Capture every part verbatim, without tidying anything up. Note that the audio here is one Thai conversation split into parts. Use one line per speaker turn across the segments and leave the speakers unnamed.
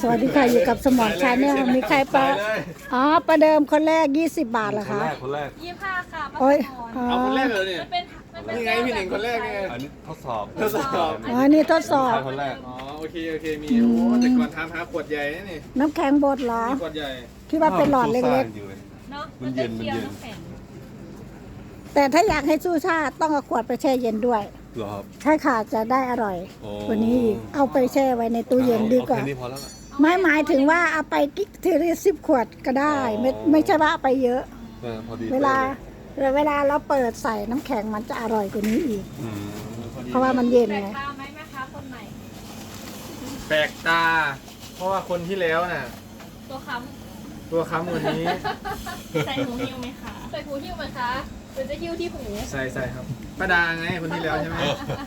สวัสดีค่ะอยู่กับสมอนชาแนลมีใครปะอ๋อประเดิมคนแรกยี่สิบบาทเหรอ
คน
คะ
แรกคนแรก
ยี่ห้าค่ะป้า
โอ้ย
สม
อ๋อ
ร
เอาคนแรกเลยเนี่ย
มันเป็นมันเป็น
นี่ไงพี่หนิงคนแรกนี่ไง
อันนี้ทดสอบ
ทดสอบ
อ๋อนี่ทดสอบ
คนแรก
อ๋อโอเคโอเคมีโอ้แต่ก่อนทำหาขวดใหญ่นะนี่
น้ำแข็งบดเหรอ
มีขวดใหญ่
คิดว่าเป็นหลอดเล็ก
เนาะ
มั
มัน น
เย็
จะ
นมัน
เคี้ยว
เย็น
น้ำแข็ง
ๆ แต่ถ้าอยากให้สู้ชาติต้องเอาขวดไปแช่เย็นด้วย
เหรอครับ
ใช่ค่ะจะได้อร่อย
โอ้
กว่านี้อีกเอาไปแช่ไว้ในตู้เย็นดีกว่า
โอเคนี่พอแล้วล่ะ
ไม่หมายถึงว่าเอาไปกิ๊กทีละสิบขวดก็ได้ ไม่ไม่ใช่ว่าเอาไปเยอะ
เออพอดี
เวลาเวลาเราเปิดใส่น้ำแข็งมันจะอร่อยกว่านี้อีก
อืมพอดี
เพราะว่ามันเย็น
แปลก
ไง
ตาไหมแม่ค้าคนใหม่
แปลกตา เพราะว่าคนที่แล้วน่ะ
ตัวค้
ตัวค้ำวันนี้
ำใส่หูหิ้วไหมคะใส่หูหิ้วไหมคะหรือจะหิ้วที่หู
ใส่ใส่ครับป้าดาไงคนที่แล้วใช่ไหม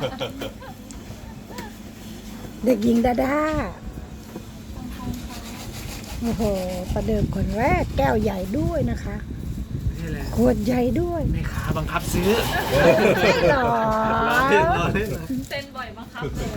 เด็กหญิงดาดาโอ้โหประเดิมคนแรกแก้วใหญ่ด้วยนะคะ
นี่แหละ
ขวดใหญ่ด้วย
แม่ค้าบังคับซื้อ
ไม่หรอ
รอเล่นรอเล่น
เซ็นบ่อยบังคับเลย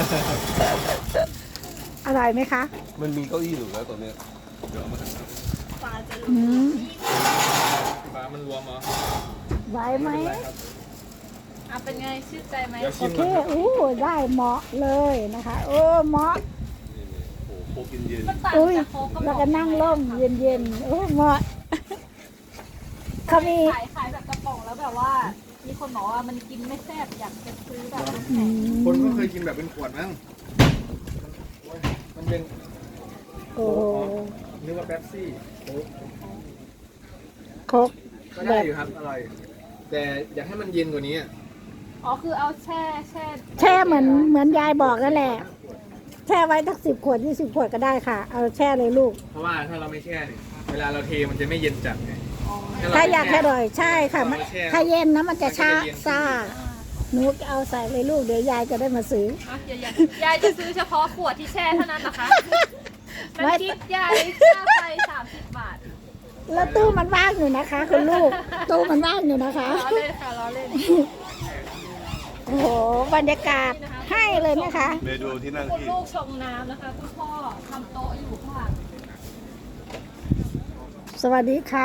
อร่อยไหมคะ
มันมีเก้าอี้อยู่แล้วตัวเนี้ยเดี๋ยวเอามาทำ
ปลาจะ
อืม
ปลามันรวมเหรอ
ไหวไหม
อ่ะเป็นไงชื่นใจไหม
เดี๋ยว
โอ
ชิม
เค
ก่อนครับ
อู้ได้เหมาะเลยนะคะ โอ้เหมาะ
นี่นี่โอ้โหโคกินเย็น
มันต่าง
อุ้ย
จากโค้กกระป๋อง
แล้วก็นั่งร่มเย็นๆโอ้เหมาะเขามี
ขายขายแบบกระป๋องแล้วแบบว่า มีคนบอกว่ามันกินไม่แซ่บอยากจะซื้อแบบน้ำ
อื
แข็ง
ม
คนก็เคยกินแบบเป็นขวดมั้งมันเป็น
โอ้โห
นึกว่าเป๊ปซี่โค้ก
ครก
ก็ได้อยู่ครับอร่อย แต่อยากให้มันเย็นกว่านี้อะ
อ๋อคือเอาแช่แช่
แช่เหมือนเหมือนยายบอกนั่นแหละ แช่ไว้สักสิบขวดยี่สิบขวดก็ได้ค่ะ เอาแช่เลยลูก
เพราะว่าถ้าเราไม่แช่เนี่ยเวลาเราเทมันจะไม่เย็นจัดไง
ถ้าอยากให้อร่อยใช่ค่ะมัน
เราแช่
ถ้าเย็นนะมันจะชา
มันจะเย็น
ซ่าหนูเอาใส่เลยลูกเดี๋ยวยายจะได้มาซื้อ
อ่ะยายยายยายจะซื้อเฉพาะขวดที่แช่เท่านั้นนะคะ
ไม่
น้ำพริกยายค่าไฟสามสิบบาท
แล้วตู้มันว่างอยู่นะคะ คุณลูก ตู้มันว่างอยู่นะคะ
ล้อเล่นค่ะล้อเล่น
โอ้โหบรรยากาศให้เลยนะคะ
เมนูที่นั่ง
คุณ
ที่
ลูกชงน้ำนะคะคุณพ่อทำโต๊ะอยู่ข้างหลัง
สวัสดีค่ะ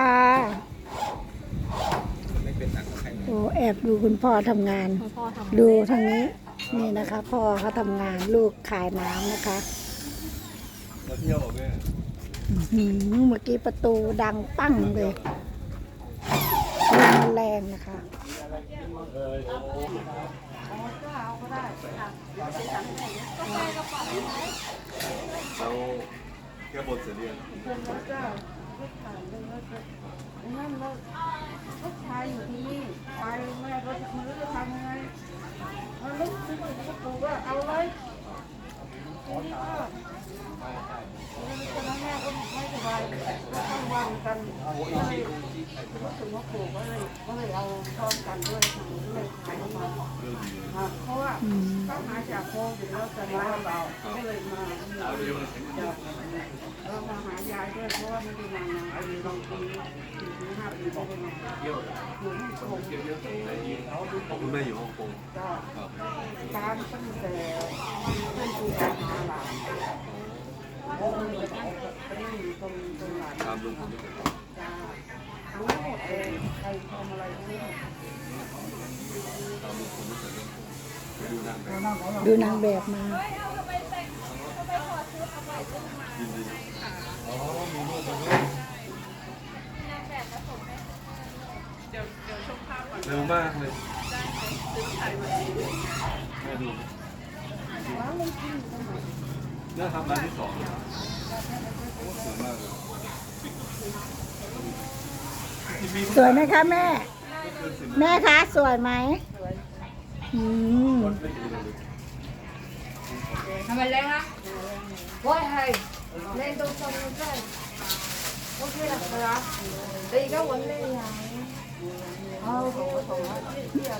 ไม่เป็นหนักกับใคร
โอ้แอบดูคุณพ่อทำงาน
คุณพ่อทำ
ดูทางนี้นี่นะคะ พ่อเขาทำงานลูกขายน้ำนะคะ
มาเที่ยวเหรอแม่
อื้อหือเมื่อกี้ประตูดังปั้งเลยลมแรงนะคะ
เราแก้บนเสร็จหรือยัง
นั่นแล้วลูกชายอยู่ที่นี่ไปแม่ก็ไม่รู้จะทำยังไงมันลุกขึ้นมาก็ปู่ก็เอาเลยทีนี้ก็ตอนนั้นแม่ก็ไม่สบายก็ต้องวันกันก็เลยรู้สึกว่าปู่ก็เลยก็เลยเอาพร้อมกันด้วยทางด้วยขายมาอ่ะเพราะว่าต้องหาจากโควิดแล้วจะมาเราก็เลยมาจากเรามาหายายด้วยเพราะว่าไม่ได้มานานอายุลองปีสี่ถึงห้าปีไม่ได้มาอยู่ที่โควิด
ของคุณแม่อยู่ฮ่องกง
ก็ตามตั้งแต่เพื่อนคุยกันมาหลานก็เลยไปนั่งอยู่ตรงตรงหลาน
ตามลุงผมด้วยกัน
จ้ารู้หมดเลยใครทำอะไรรู้หมด
ตามลุงผมด้วยกันไปดูนางแบบ
ดูนางแบบมา
ยินดีเร็วมากเลยแม่ดูเนี่ยครับร้านที่สองโอ้สวยมากเลย
สวยไหมคะแม่ แม่คะสวยไหมอืม
ทำไมเล่นฮะว่าให้เล่นตรงตรงนั้นได้โอเคหรอครับตีก็วันเล่นไงเอาโอเคโอเคที่อ่ะ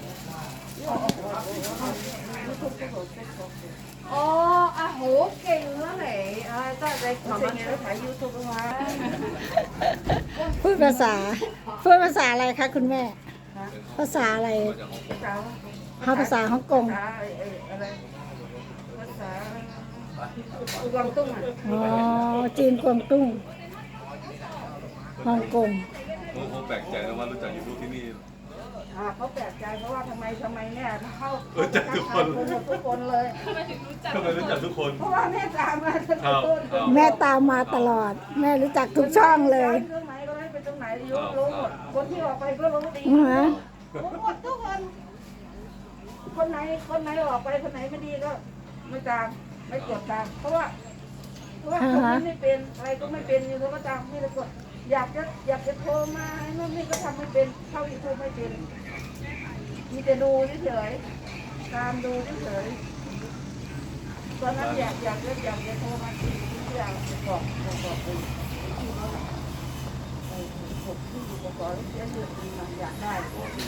พ่ออ๋ออ่ะโหเก่งแล้วแหละอ่าตั้งใจทำมันถ่ายยูทูบมา
พูดภาษาพูดภาษาอะไรคะคุณแม่ ภาษาอะไร
ภาษา
เขาภาษาฮ่องกง
ภาษาอะไรภาษาอุกวางตุ้งอ่ะ
อ๋อจีนกวางตุ้งฮ่องกง
โอ้โหแปลกใจนะว่ารู้จักยูทูบที่นี่
อ่าเขาแปลกใจเพราะว่าทำไมทำไมเนี่ยเข้า
รู้จักทุกคน
หมดทุกคนเลย
ทำไมรู้จักทุกคน
เพราะว่าแม่ตามมาตั้งแต่ต้น
ครับ
แม่ตามมาตลอด แม่รู้จักทุกช่องเลย
เครื่องไหนก็ได้ไปตรงไหนยกรู้หมดคนที่ออกไปก็รู้ดี
อือฮะ
รู้หมดทุกคน คนไหนคนไหนออกไปคนไหนไม่ดีก็ไม่ตามไม่กดตาม เพราะว่าเพราะว่าคนนี้ไม่เป็นอะไรก็ไม่เป็นอยู่ก็ตามไม่ได้กดอยากจะอยากจะโทรมาโน่นนี่ก็ทำไม่เป็นเข้ายูทูบไม่เป็นมีแต่ดูเฉยๆตามดูเฉยๆตอนนั้นอยากอยากจะอยากจะโทรมาที่ที่เราบอกบอกบอกเป็นที่เขาไอ้ผมที่อยู่กับก่อนเสียเงินมันอยากได้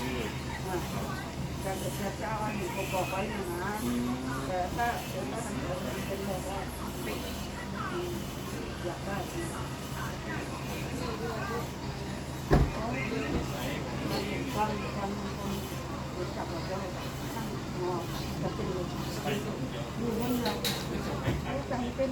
การจะจะเจ้าอันนี้ผมบอกไว้นะนะแต่ถ้าเดี๋ยวถ้าทำเป็นเป็นแบบว่าอยากได้ความความความรู้จักเราจะตั้งงอจะเป็นดูนั่นเรารู้จักเป็น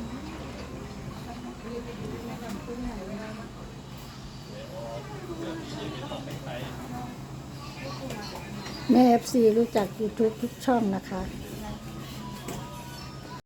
แม่เอฟซีรู้จัก YouTube ทุกช่องนะคะ